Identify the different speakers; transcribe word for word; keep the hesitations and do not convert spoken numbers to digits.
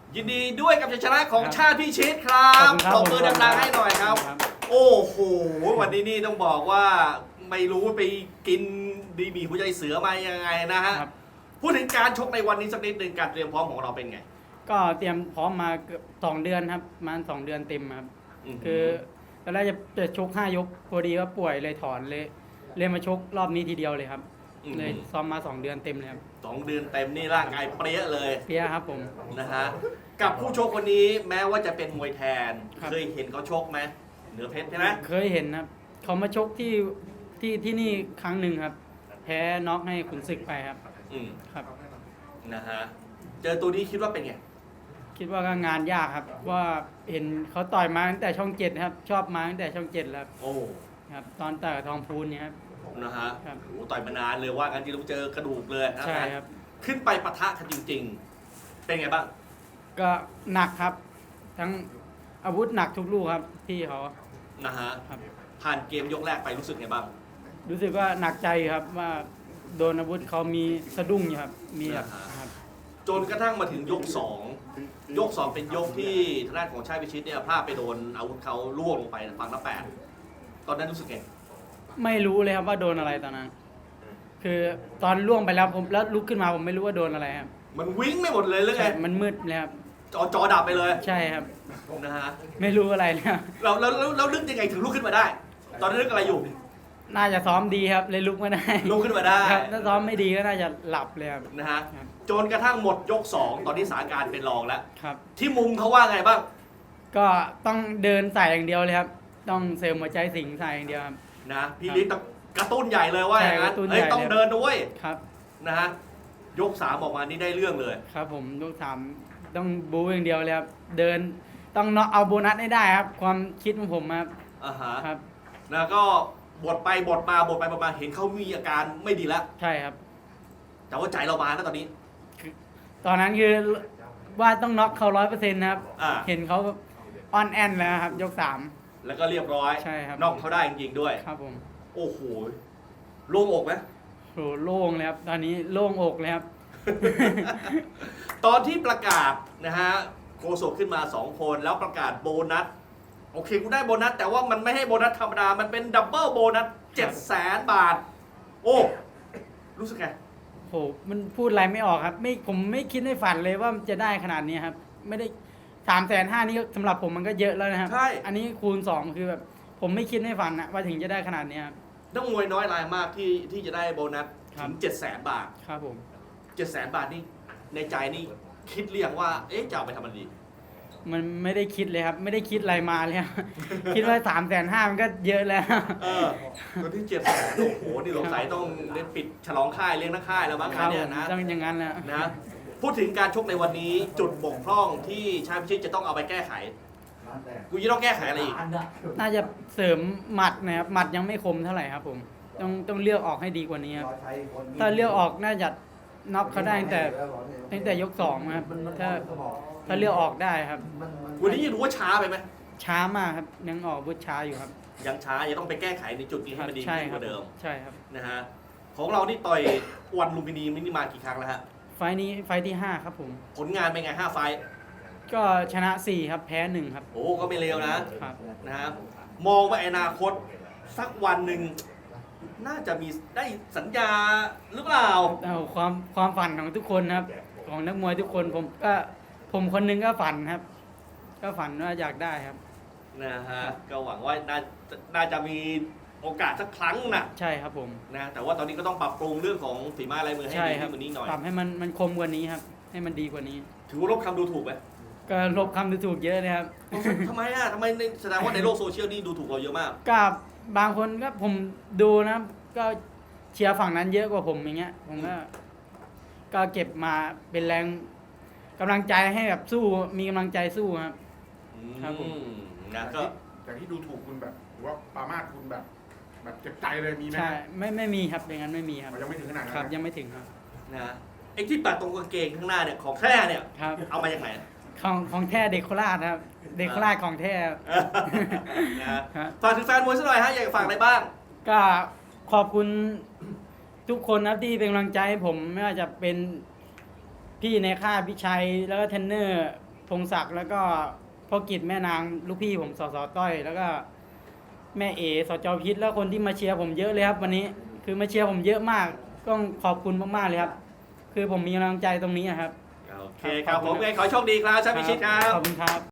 Speaker 1: ยินดีด้วยกับชัยชนะของชาติพิชิตครับตบมือดังๆให้หน่อยครับ โอ้โหวันนี้นี่ต้องบอกว่าไม่รู้ไปกินดีมีหัวใจเสือมายังไงนะฮะพูดถึงการชกในวันนี้สักนิดหนึ่งการเตรียมพร้อมของเราเป็นไง
Speaker 2: ก็เตรียมพร้อมมาเกือบสองเดือนครับประมาณสองเดือนเต็มครับคือตอนแรกจะจะชกห้ายกพอดีว่าป่วยเลยถอนเลยเลยมาชกรอบนี้ทีเดียวเลยครับเลยซ้อมมาสองเดือนเต็มเลยครับ
Speaker 1: สองเดือนเต็มนี่ร่างกายเปรี้ยเลย
Speaker 2: เปรี้ยครับผม
Speaker 1: นะฮะกับผู้ชกคนนี้แม้ว่าจะเป็นมวยแทนเคยเห็นเขาชกไหมเหนือเพชรใช่ไหม
Speaker 2: เคยเห็นครับเขามาชกที่ที่ที่นี่ครั้งหนึ่งครับแพ้น็อกให้ขุนศึกไปครับ
Speaker 1: อืม
Speaker 2: ครับ
Speaker 1: นะฮะเจอตัวนี้คิดว่าเป็นไง
Speaker 2: คิดว่าก็งานยากครับว่าเห็นเขาต่อยมาตั้งแต่ช่องเจ็ดครับชอบมาตั้งแต่ช่องเจ็ดแล้ว
Speaker 1: โอ้
Speaker 2: ครับตอนต่อยทองพูนเนี่ยครับ
Speaker 1: นะฮะโอ้ต่อยมานานเลยว่ากันที่เราเจอกระดูกเลย
Speaker 2: ใช่ครับ
Speaker 1: ขึ้นไปปะทะกันจริงๆเป็นไงบ้าง
Speaker 2: ก็หนักครับทั้งอาวุธหนักทุกลูกครับพี่เขา
Speaker 1: นะฮะผ่านเกมยกแรกไปรู้สึกไงบ้าง
Speaker 2: รู้สึกว่าหนักใจครับว่าโดนอาวุธเขามีสะดุ้งอยู่ครับมีครับ
Speaker 1: จนกระทั่งมาถึงยกสองยกสองเป็นยกที่ทางด้านของชาติพิชิตเนี่ยพลาดไปโดนอาวุธเขาล่วงลงไปฝั่งละแปดตอนนั้นรู้สึกไง
Speaker 2: ไม่รู้เลยครับว่าโดนอะไรตอนนั้น คือตอนล่วงไปแล้วผมแล้วลุกขึ้นมาผมไม่รู้ว่าโดนอะไรครับ
Speaker 1: มันวิ่งไม่หมดเลยหรือไง
Speaker 2: มันมืดเลยครับ
Speaker 1: จอจอดับไปเลย
Speaker 2: ใช่ครับ
Speaker 1: นะฮะ
Speaker 2: ไม่รู้อะไรเลย
Speaker 1: เราเราเราลึกยังไงถึงลุกขึ้นมาได้ ตอนนั้นนึกอะไรอยู่
Speaker 2: น่าจะซ้อมดีครับเลยลุกไม่ได้
Speaker 1: ลุกขึ้นมาได้
Speaker 2: ถ้าซ้อมไม่ดีก็น่าจะหลับเลยครับ
Speaker 1: นะฮะจนกระทั่งหมดยกสองตอนนี้สถานการณ์เป็นรองแล้ว
Speaker 2: ครับ
Speaker 1: ที่มุมเขาว่าไงบ้าง
Speaker 2: ก็ต้องเดินใส่อย่างเดียวเลยครับต้องเสริมหัวใจสิงใส่อย่างเดียวครับ
Speaker 1: นะพี่ลิศกระตุ้นใหญ่เลยว่าอย่างนั้นเฮ้ยต้องเดินด้วย
Speaker 2: ครับ
Speaker 1: นะฮะยกสามออกมานี่ได้เรื่องเลย
Speaker 2: ครับผมยกสามต้องบู๊อย่างเดียวเลยครับเดินต้องเนาะเอาโบนัสให้ได้ครับความคิดของผมครับ
Speaker 1: อ่าฮะ
Speaker 2: ครับ
Speaker 1: แล้วก็บทไปบทมาบทไปบทมาเห็นเขามีอาการไม่ดีแล้ว
Speaker 2: ใช่ครับ
Speaker 1: แต่ว่าใจเรามาแล้วตอนนี้
Speaker 2: ตอนนั้นคือว่าต้องน็อกเขาร้อยเปอร์เซ็นต์นะครับเห็นเขาออนแอนแล้วครับยกสาม
Speaker 1: แล้วก็เรียบร้อย
Speaker 2: ใช่ครับ
Speaker 1: น็อกเขาได้จริงๆด้วย
Speaker 2: ครับผม
Speaker 1: โอ้โหโล่งอกไหม
Speaker 2: โหโล่งเลยครับตอนนี้โล่งอกเลยครับ
Speaker 1: ตอนที่ประกาศนะฮะโฆษกขึ้นมาสองคนแล้วประกาศโบนัสโอเคกูได้โบนัสแต่ว่ามันไม่ให้โบนัสธรรมดามันเป็นดับเบิลโบนัสเจ็ดแสนบาทโอ้รู้สึกไง
Speaker 2: โหมันพูดอะไรไม่ออกครับไม่ผมไม่คิดในฝันเลยว่ามันจะได้ขนาดนี้ครับไม่ได้สามแสนห้านี่สำหรับผมมันก็เยอะแล้วนะครับ
Speaker 1: ใช่
Speaker 2: อันนี้คูณสองคือแบบผมไม่คิดในฝันนะว่าถึงจะได้ขนาดนี้ครับ
Speaker 1: ต้องมวยน้อยรายมากที่ที่จะได้โบนัสถึงเจ็ดแสนบาท
Speaker 2: ครับผม
Speaker 1: เจ็ดแสนบาทนี่ในใจนี่คิดเรียงว่าเอ๊ะจะเอาไปทำอะไรดี
Speaker 2: มันไม่ได้คิดเลยครับไม่ได้คิดอะไรมาเลยคิดว่าสามแสนห้ามันก็เยอะแล้ว
Speaker 1: เออตัวที่เจ็ดแสนโอ้โหนี่สงสัยต้องเล่นปิดฉลองค่ายเลี้ยงนักค่ายแล้วมั้งเนี่ยนะ
Speaker 2: ต้องอย่างนั้นแหละ
Speaker 1: นะพูดถึงการชกในวันนี้จุดบกพร่องที่ชาติพิชิตจะต้องเอาไปแก้ไขกูจะต้องแก้ไขอะไรอีก
Speaker 2: น่าจะเสริมหมัดนะครับหมัดยังไม่คมเท่าไหร่ครับผมต้องต้องเลือกออกให้ดีกว่านี้ครับถ้าเลือกออกน่าจะน็อกเขาได้ตั้งแต่ตั้งแต่ยกสองครับถ้าถ้าเลือกออกได้ครับ
Speaker 1: วันนี้ยังรู้ว่าช้าไปไหม
Speaker 2: ช้ามากครับยังออกบุช้าอยู่ครับ
Speaker 1: ยังช้ายังต้องไปแก้ไขในจุดนี้ให้มันดีขึ้นกว่าเดิม
Speaker 2: ใช่ครับ
Speaker 1: นะฮะของเรานี่ต่อยวันลุมพินีมินิมากี่ครั้งแล้วฮะ
Speaker 2: ไฟนี้ไฟที่ห้าครับผม
Speaker 1: ผลงานเป็นไงห้าไฟ
Speaker 2: ก็ชนะสี่ครับแพ้หนึ่งครับ
Speaker 1: โอ้ก็ไม่เลวนะครับนะฮะมองว่าอนาคตสักวันหนึ่งน่าจะมีได้สัญญาหรือเปล่า
Speaker 2: เอาความความฝันของทุกคนครับของนักมวยทุกคนผมก็ผมคนนึงก็ฝันครับก็ฝันว่าอยากได้ครับ
Speaker 1: นะฮะก็หวังว่าน่าน่าจะมีโอกาสสักครั้งนะ
Speaker 2: ใช่ครับผม
Speaker 1: นะแต่ว่าตอนนี้ก็ต้องปรับปรุงเรื่องของฝีไม้ลายมือให้ดีขึ้นกว่านี้หน่อย
Speaker 2: ปรับให้มันมันคมกว่านี้ครับให้มันดีกว่านี้
Speaker 1: ถือว่าลบคำดูถูกไหม
Speaker 2: ก็ลบคำดูถูกเยอะเลยครับ
Speaker 1: ทำไมอ่ะทำไมแสดงว่าในโลกโซเชียลนี่ดูถูกเราเยอะมาก
Speaker 2: กับบางคนก็ผมดูนะก็เชียร์ฝั่งนั้นเยอะกว่าผมอย่างเงี้ยผมก็ก็เก็บมาเป็นแรงกำลังใจให้แบบสู้มีกำลังใจสู้ครับ
Speaker 1: ครับผมนะก็
Speaker 3: แต่ที่ดูถูกคุณแบบว่าปามาดคุณแบบแบบเจ็บใจเลยมีไหม
Speaker 2: ใช่ไม่ไม่มีครับอย่างนั้นไม่มีครับ
Speaker 3: ยังไม่ถึงขนาดนั้น
Speaker 2: ครับยังไม่ถึงครับ
Speaker 1: นะไอ้ที่ตัดตรงกางเกงข้างหน้าเนี่ยของแท้เนี่ยเอามาจากไหน
Speaker 2: ของของแท้เด็กโคราชครับเด็กโคราชของแท้
Speaker 1: นะฝากถึงแฟนมวยสักหน่อยฮะอยากฝากอะไรบ้าง
Speaker 2: ก็ขอบคุณทุกคนนะที่เป็นกำลังใจให้ผมไม่ว่าจะเป็นพี่ในค่ายพี่ชัยแล้วก็เทรนเนอร์พงศักดิ์แล้วก็พ่อกิจแม่นางลูกพี่ผมสสต้อย แล้วก็แม่เอสจพิษแล้วคนที่มาเชียร์ผมเยอะเลยครับวันนี้คือมาเชียร์ผมเยอะมากต้องขอบคุณมากๆเลยครับคือผมมีกำลังใจตรงนี้ครับ
Speaker 1: โอเคครับผมไงขอโชคดีครับชาติพิชิตครับ
Speaker 2: ขอบคุณครับ